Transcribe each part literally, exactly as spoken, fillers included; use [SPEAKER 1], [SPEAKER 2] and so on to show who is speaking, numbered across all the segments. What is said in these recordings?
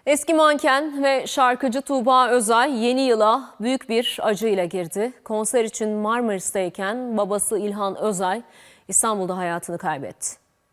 [SPEAKER 1] Eski manken ve şarkıcı Tuğba Özay yeni yıla büyük bir acıyla girdi. Konser için Marmaris'teyken babası İlhan Özay İstanbul'da hayatını kaybetti.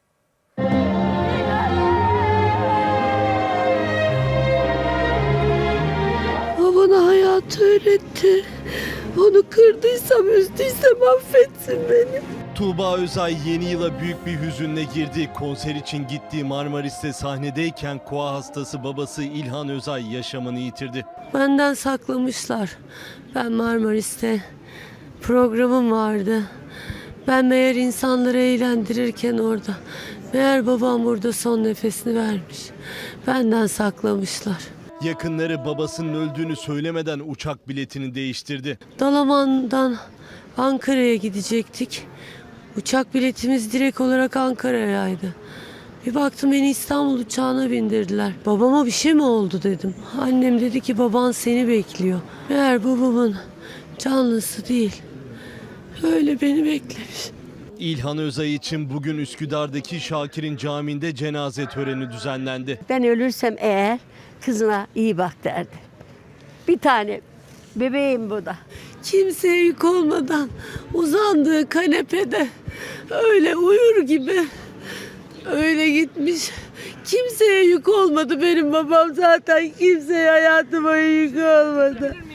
[SPEAKER 2] O bana hayatı öğretti. Onu kırdıysam, üzdüysem affetsin beni.
[SPEAKER 3] Tuğba Özay yeni yıla büyük bir hüzünle girdi. Konser için gittiği Marmaris'te sahnedeyken koa hastası babası İlhan Özay yaşamını yitirdi.
[SPEAKER 2] Benden saklamışlar. Ben Marmaris'te programım vardı. Ben meğer insanları eğlendirirken orada. Meğer babam burada son nefesini vermiş. Benden saklamışlar.
[SPEAKER 3] Yakınları babasının öldüğünü söylemeden uçak biletini değiştirdi.
[SPEAKER 2] Dalaman'dan Ankara'ya gidecektik. Uçak biletimiz direkt olarak Ankara'yaydı. Bir baktım beni İstanbul uçağına bindirdiler. Babama bir şey mi oldu dedim. Annem dedi ki baban seni bekliyor. Meğer babamın canlısı değil. Öyle beni beklemiş.
[SPEAKER 3] İlhan Özay için bugün Üsküdar'daki Şakir'in camiinde cenaze töreni düzenlendi.
[SPEAKER 4] Ben ölürsem eğer kızına iyi bak derdi. Bir tane bebeğim bu da.
[SPEAKER 2] Kimseye yük olmadan uzandığı kanepede öyle uyur gibi öyle gitmiş. Kimseye yük olmadı benim babam, zaten kimseye hayatı boyu yük olmadı.